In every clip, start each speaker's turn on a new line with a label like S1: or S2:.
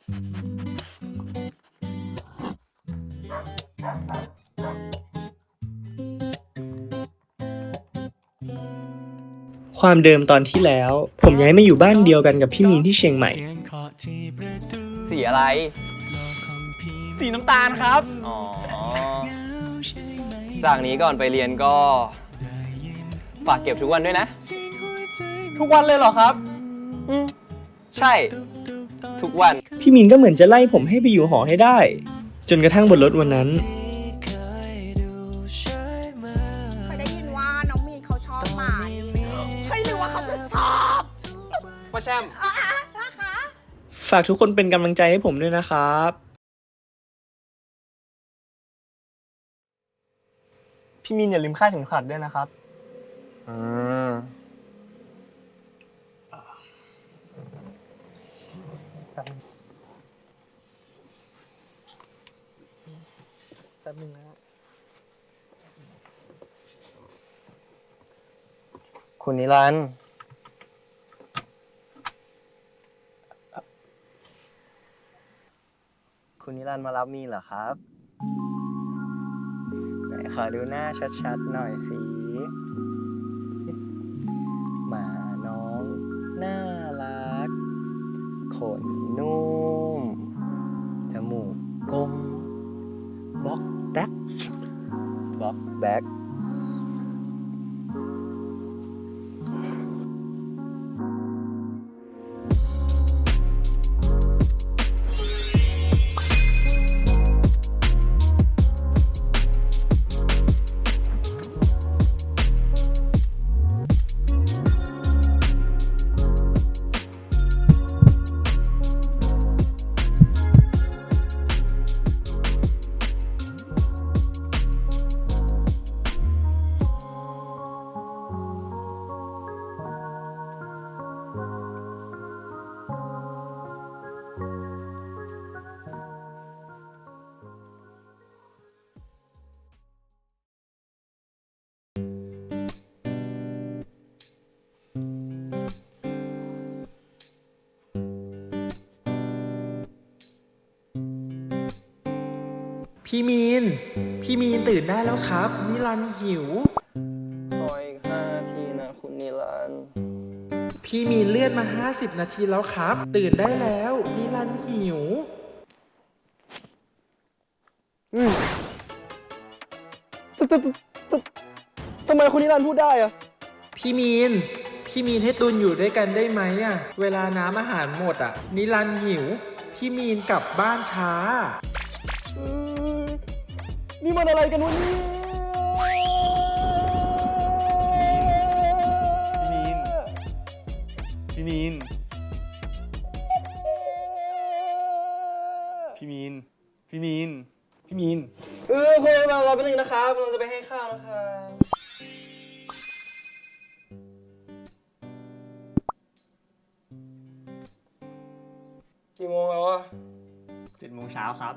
S1: ความเดิมตอนที่แล้วผมย้ายมาอยู่บ้านเดียวกันกับพี่มีนที่เชียงใหม่
S2: สีอะไร
S3: สีน้ำตาลครับ
S2: อ๋อจากนี้ก่อนไปเรียนก็ฝากเก็บทุกวันด้วยนะ
S3: ทุกวันเลยเหรอครับ
S2: ใช่ทุกวัน
S1: พี่มีนก็เหมือนจะไล่ผมให้ไปอยู่หอให้ได้จนกระทั่งบนรถวันนั้น
S4: เคยได้ยินว่าน้องมีนเขาชอบหมาเฮ้ยหรือว่าเขาจะชอบ
S2: พ่อแชมป์
S4: นะคะ
S1: ฝากทุกคนเป็นกำลังใจให้ผมด้วยนะครับพี่มีนอย่าลืมคาดเข็มขัดด้วยนะครับแป๊บนึงนะ
S2: คุณนิรันดร์คุณนิรันดร์มารับมีนเหรอครับไหนขอดูหน้าชัดๆหน่อยสิหมาน้องน่ารักขนนุ่มจมูกกลมบล็อกแบ็ก
S3: พี่มีนตื่นได้แล้วครับนิรันดร์หิว
S2: ขออีก5 นาทีนะคุณนิรันดร์
S3: พี่มีนเลื่อนมา50 นาทีแล้วครับตื่นได้แล้วนิรันดร์หิว
S2: ทำไมคุณนิรันดร์พูดได้อะ
S3: พี่มีนให้ตุนอยู่ด้วยกันได้ไหมอะเวลาน้ำอาหารหมดอะนิรันดร์หิวพี่มีนกลับบ้านช้า
S2: นี่มันอะไรกันวะเนี่ย
S1: พี่มีน
S2: คุณเราไปหนึ่งนะครับเราจะไปให้ข้าวนะครับกี่โมงแล้วอะ
S1: 7 โมงเช้าครับ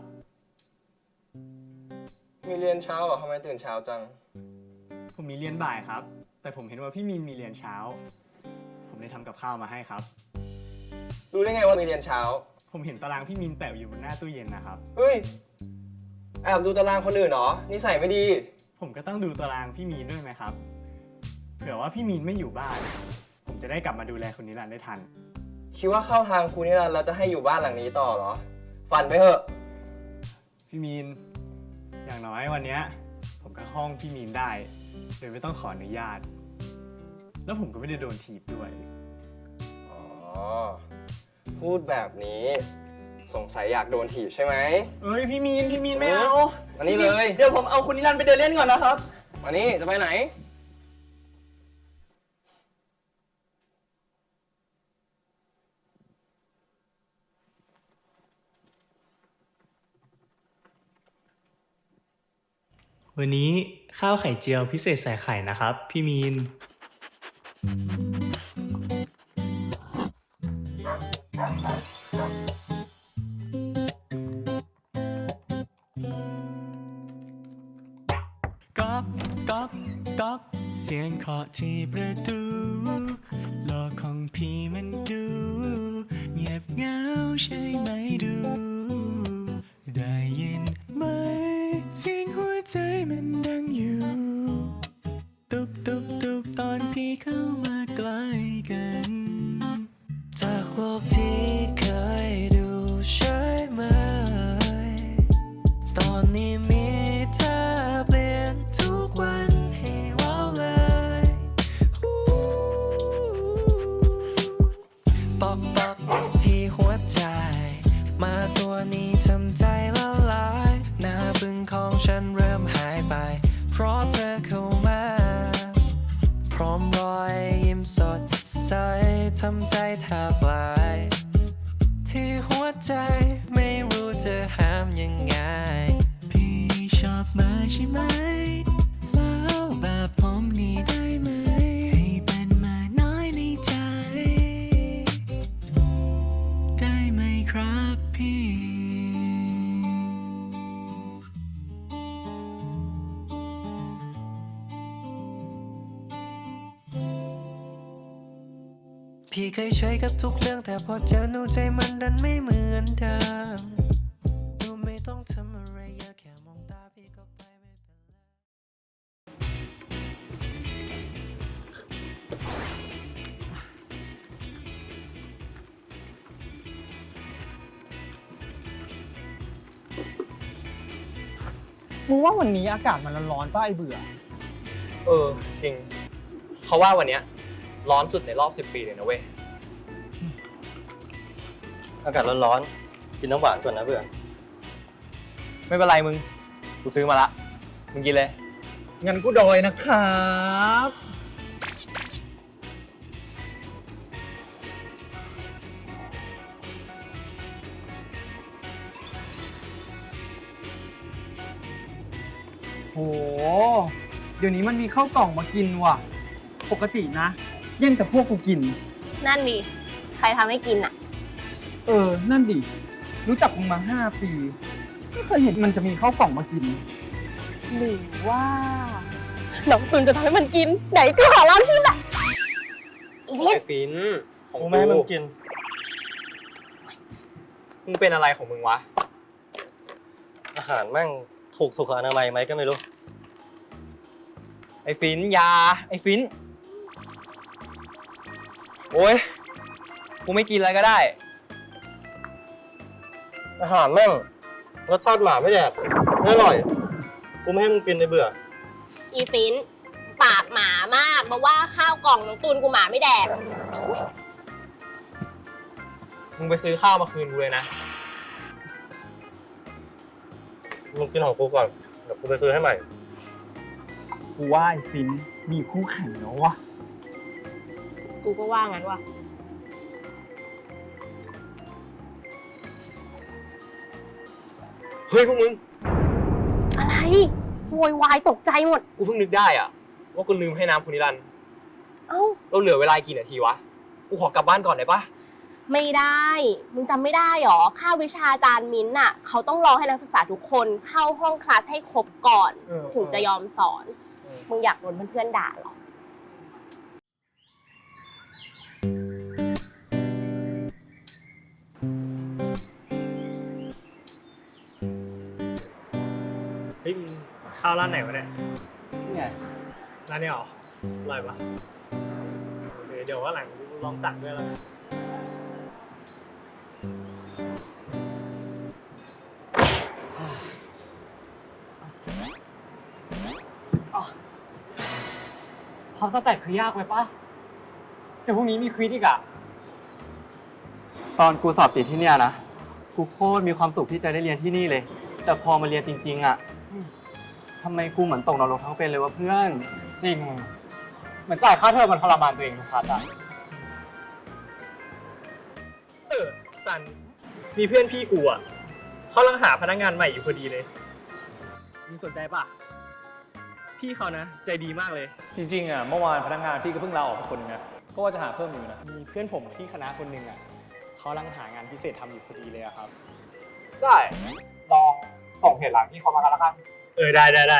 S2: มีเรียนเช้าเหรอทำไมตื่นเช้าจัง
S1: ผมมีเรียนบ่ายครับแต่ผมเห็นว่าพี่มีนมีเรียนเช้าผมเลยทำกับข้าวมาให้ครับ
S2: รู้ได้ไงว่ามีเรียนเช้า
S1: ผมเห็นตารางพี่มีนแปะอยู่บนหน้าตู้เย็นนะครับ
S2: เฮ้ยแอบดูตารางคนอื่นเหรอนิสัยไม่ดี
S1: ผมก็ต้องดูตารางพี่มีนด้วยไหมครับเผื่อว่าพี่มีนไม่อยู่บ้านผมจะได้กลับมาดูแลคุณนิรันดร์ได้ทัน
S2: คิดว่าเข้าทางคุณนิรันดร์แล้วจะให้อยู่บ้านหลังนี้ต่อเหรอฝันไปเถอะ
S1: พี่มีนอย่างน้อยวันนี้ผมก็ห้องพี่มีนได้โดยไม่ต้องขออนุญาตแล้วผมก็ไม่ได้โดนถีบด้วย
S2: อ๋อพูดแบบนี้สงสัยอยากโดนถีบใช่ไหม
S1: เอ้ยพี่มีนไม่เอา
S2: มานี่เลย
S3: เดี๋ยวผมเอาคุณนิรันดร์ไปเดินเล่นก่อนนะครับ
S2: มานี่จะไปไหน
S1: วันนี้ข้าวไข่เจียวพิเศษใส่ไข่นะครับพี่มีน
S5: ก๊อกก๊อกก๊อกเสียงเคาะที่ประตูโลกของพี่มันดูเงียบเหงาใช่ไหมดู ได้ยินไหมเสียงหัวใจมันดังอยู่ตุบตุบตุบตอนพี่เข้ามาใกล้กัน จากโลกที่เคยดูใช่ไหม ตอนนี้มีเธอเปลี่ยนทุกวันให้ว้าวเลยปอกปอกที่หัวใจ มาตัวนี้ทำใจละลายหน้าบึ้งของฉันเริ่มหายไป เพราะเธอเข้ามา พร้อมรอยยิ้มสดใสทำใจแทบลาย ที่หัวใจไม่รู้จะห้ามยังไง พี่ชอบมาใช่ไหม แล้วแบบผมนี่ได้ไหม ให้เป็นมาน้อยในใจ ได้ไหมครับพี่ พี่เคยช่วยกับทุกเรื่องแต่พอเจอหนูใจมันดันไม่เหมือนเดิมหนูไม่ต้องทำอะไรเยอะแค่มองตาพี่ก็ไปไม่เป็นไร
S6: มึงว่าวันนี้อากาศมันร้อนๆป่ะไอเบื่อ
S2: จริง เขาว่าวันเนี้ยร้อนสุดในรอบ 10 ปีเลยนะเว้ย
S7: อากาศร้อนๆ กินน้ำหวานก่อนนะเพื่อน
S2: ไม่เป็นไรมึง กูซื้อมาละ มึงกินเลย
S6: งั้นกูโดยนะครับ โห เดี๋ยวนี้มันมีข้าวกล่องมากินว่ะ ปกตินะแย่งแต่พวกกูกิน
S8: นั่นดิ ใครทำให้กินอ่ะ
S6: นั่นดิ รู้จักมึงมา 5 ปีไม่เคยเห็นมันจะมีข้าวกล่องมากิน
S8: หรือว่าน้องตุนจะทำให้มันกิน ไหนกูขอร้านพี่แหละอีนิด
S2: ไอ้ฟินของ
S7: กูไม่ให้มึงกิน
S2: มึงเป็นอะไรของมึงวะ
S7: อาหารแม่งถูกสุขอนามัยไหมก็ไม่รู้
S2: ไอ้ฟินยา ไอ้ฟิน โอ้ย กูไม่กินอะไรก็ได้
S7: อาหารแม่งรสชาติหมาไม่แดกไม่อร่อย กูไม่ให้มึงกินในเบื่อ
S8: อีฟิน ปากหมามากมาว่าข้าวกล่องน้องตุนกูหมาไม่แดก
S2: มึงไปซื้อข้าวมาคืนกูเลยนะ
S7: มึงกินของกูก่อน เดี๋ยวกูไปซื้อให้ใหม่
S6: กูว่าไอ้ฟินมีคู่แข่งแล้ววะ
S8: กูก็ว่างั้นว่ะ
S2: เฮ้ยพวกมึง
S8: อะไรโวยวายตกใจหมด
S2: กูเพิ่งนึกได้อะว่ากูลืมให้น้ำคุณนิรันดร์
S8: เอ้า
S2: เราเหลือเวลากี่นาทีวะ กูขอกลับบ้านก่อนได้ปะ
S8: ไม่ได้ มึงจำไม่ได้หรอ ค่าวิชาอาจารย์มิ้นท์น่ะ เขาต้องรอให้นักศึกษาทุกคนเข้าห้องคลาสให้ครบก่อน ถึงจะยอมสอน มึงอยากโดนเพื่อนๆด่าหรอ
S1: เฮ้ยข้าวร้านไหนวะเนี่ย
S6: เนี่ย
S1: ร้านนี้เหรออร่อยปะโอเคเดี๋ยวว่าหลังลองสั่งด้วยแล้วกันพอสแต็กคือยากไปปะเดี๋ยวพรุ่งนี้มีควิซอีกอะ
S9: ตอนกูสอบติดที่เนี่ยนะ กูโคตรมีความสุขที่จะได้เรียนที่นี่เลย แต่พอมาเรียนจริง ๆ อ่ะทำไมกูเหมือนตกนรกทั้งเป็นเลยวะเพื่อน
S1: จริง เหมือนจ่ายค่าเทอมมันทรมานตัวเองชัดอะสัน มีเพื่อนพี่กูอะเขากำลังหาพนักงานใหม่อยู่พอดีเลยมึงสนใจปะพี่เขานะ ใจดีมากเลย
S10: จริงๆอ่ะเมื่อวานพนักงานพี่ก็เพิ่งลาออกไปคนนึงนะก็ว่าจะหาเพิ่มอยู่นะ
S1: มีเพื่อนผมที่คณะคนหนึ่งอะเขากำลังหางานพิเศษทำอยู่พอดีเลยอะครับ
S2: ได้ ลองส่งเพจหลังที่เขามากันแล้วกัน
S1: ได้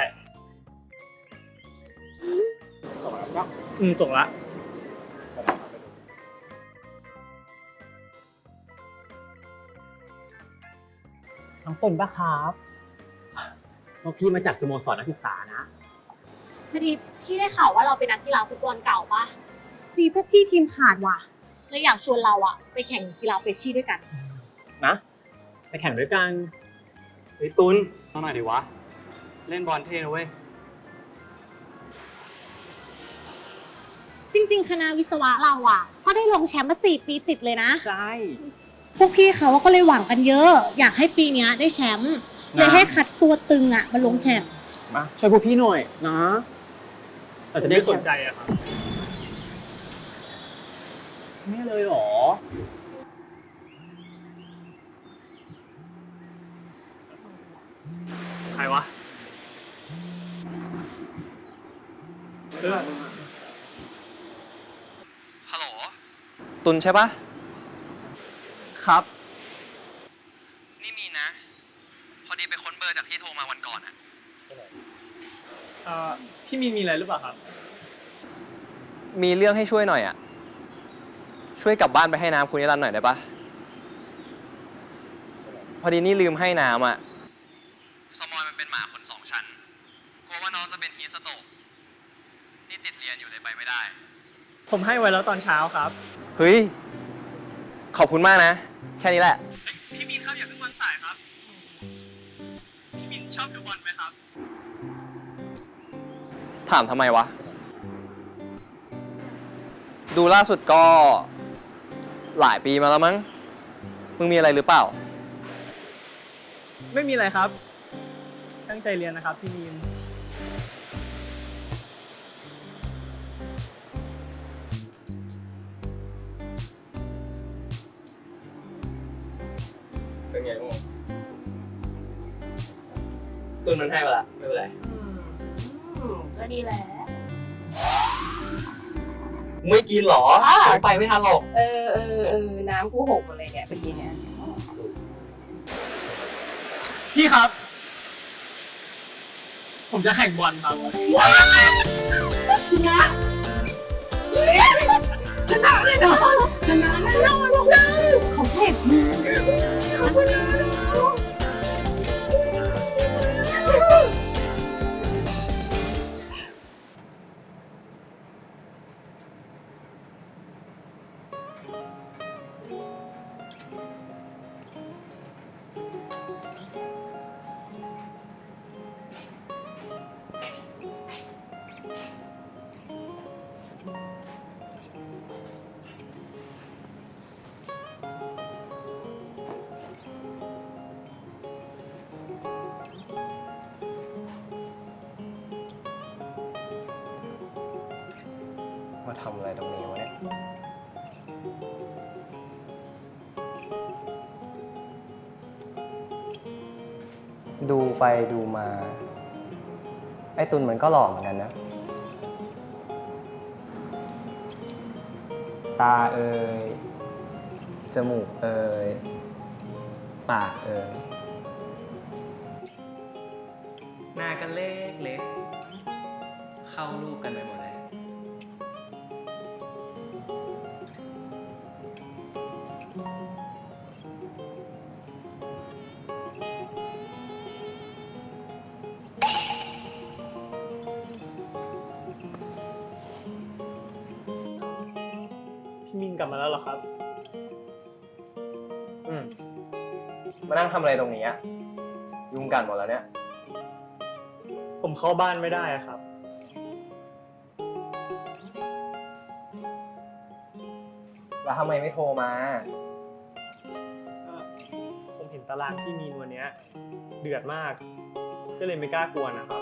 S1: ส่งแล้วปะส่งละน้องตุนปะครับพวกพี่มาจากสโมสรนักศึกษานะ
S8: พอดีพี่ได้ข่าวว่าเราเป็นนักกีฬาฟุตบอลเก่าปะ
S4: ดีพวกพี่ทีมขาดว่ะ
S8: เลยอยากชวนเราอะไปแข่งกีฬาเฟรชชี่ด้วยกัน
S1: นะ ไปแข่งด้วยกัน
S9: เฮ้ยตุนเอาหน่อยดิวะ เล่นบอลเท่นะเว้ย
S4: จริงๆ คณะวิศวะเราอ่ะก็ได้ลงแชมป์มา4 ปีติดเลยนะ
S1: ใช่
S4: พวกพี่เขาก็เลยหวังกันเยอะ อยากให้ปีเนี้ยได้แชมป์เลยให้คัดตัวตึงอ่ะมาลงแข่ง
S1: มาช่วยพวกพี่หน่อยนะเราจะได้สนใจอะครับไม่เลยเหรอ ใครวะ
S9: ฮัลโหล ตุนใช่ปะ
S1: ครับ
S9: นี่มีนะ พอดีไปค้นเบอร์จากที่โทรมาวันก่อนอะ
S1: พี่มีอะไรหรือเปล่าครับ
S2: มีเรื่องให้ช่วยหน่อยอ่ะ ช่วยกลับบ้านไปให้น้ำคุณนิรันดร์หน่อยได้ปะพอดีนี่ลืมให้น้ำอ่ะ สมอยมันเป็นหมาขน2 ชั้น กลัวว่าน้องจะเป็นฮีทสโตรกนี่ติดเรียนอยู่เลยไปไม่ได้
S1: ผมให้ไว้แล้วตอนเช้าครับ
S2: เฮ้ย ขอบคุณมากนะ แค่นี้แหละ
S1: พี่มินครับอย่าเพิ่งวางสายครับ พี่มินชอบดูบอลไหมครับ
S2: ถามทำไมวะ ดูล่าสุดก็หลายปีมาแล้วมั้ง มึงมีอะไรหรือเปล่า
S1: ไม่มีอะไรครับ ตั้งใจเรียนนะครับพี่มีน
S2: เป็นไงบ้างตุนมันให้เวลาไม่เป็นไร
S8: ก็ดีแหละ
S2: ไม่กินหรอไปไม่ทันหรอก
S8: น้ำกูหกหมดเลยเนี่ยเมื่อกี้เนี่ย
S1: พี่ครับ ผมจะแข่งบอลครับ
S2: มาทำอะไรตรงนี้วะเนี่ย ดูไปดูมา ไอ้ตุนมันก็หล่อเหมือนกันนะ ตาเอ่ย จมูกเอ่ย ปากเอ่ย
S3: หน้ากันเล็กเล็กเข้ารูปกันไปหมดเลย
S1: พี่มินกลับมาแล้วเหรอครับ
S2: มานั่งทำอะไรตรงนี้อะยุงกัดหมดแล้วเนี่ย
S1: ผมเข้าบ้านไม่ได้อะครับ
S2: แล้วทำไมไม่โทรมา
S1: ผมเห็นตารางพี่มีนวันเนี้ยเดือดมาก ก็เลยไม่กล้ากวนนะครับ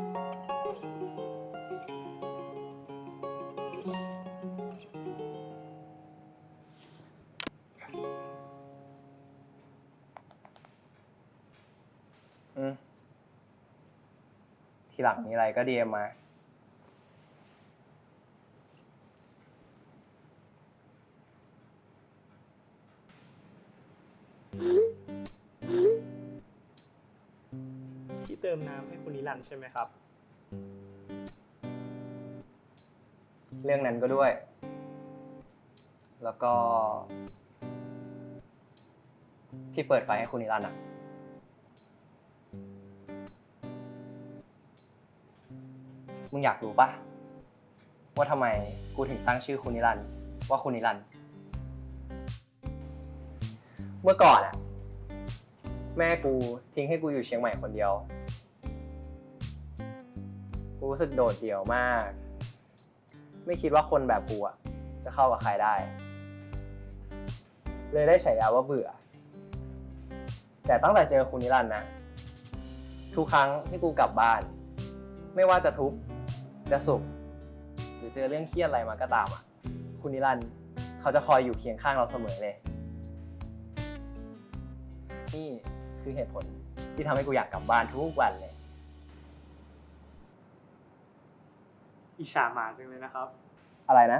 S2: ทีหลังมีอะไรก็ดีมมา
S1: ที่เติมน้ำให้คุณนิรันดร์ใช่ไหมครับ
S2: เรื่องนั้นก็ด้วย แล้วก็ ที่เปิดไฟให้คุณนิรันดร์อะมึงอยากรู้ปะว่าทำไมกูถึงตั้งชื่อคุณนิรันดร์ว่าคุณนิรันดร์เมื่อก่อนอะแม่กูทิ้งให้กูอยู่เชียงใหม่คนเดียว กูรู้สึกโดดเดี่ยวมาก ไม่คิดว่าคนแบบกูอะจะเข้ากับใครได้ เลยได้ฉายาว่าเบื่อ แต่ตั้งแต่เจอคุณนิรันดร์นะ ทุกครั้งที่กูกลับบ้าน ไม่ว่าจะทุกข์จะสุขหรือเจอเรื่องเครียดอะไรมาก็ตามอ่ะ คุณนิรันดร์เขาจะคอยอยู่เคียงข้างเราเสมอเลย นี่คือเหตุผลที่ทำให้กูอยากกลับบ้านทุกวันเลย
S1: อิจฉาหมาจังเลยนะครับ
S2: อะไรนะ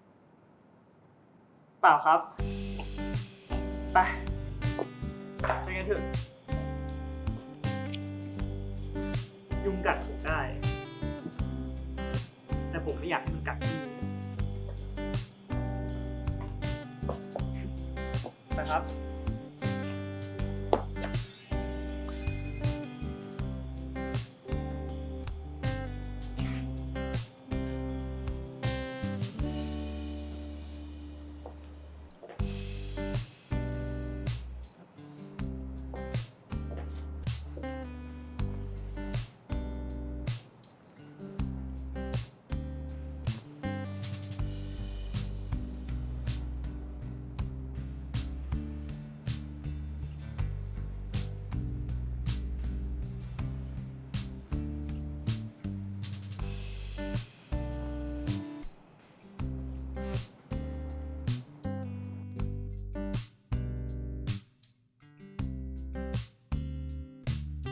S1: เปล่าครับ ไปไปกันเถอะ ยุงกัดผมได้ แต่ผมไม่อยากให้มันกัดพี่นะครับ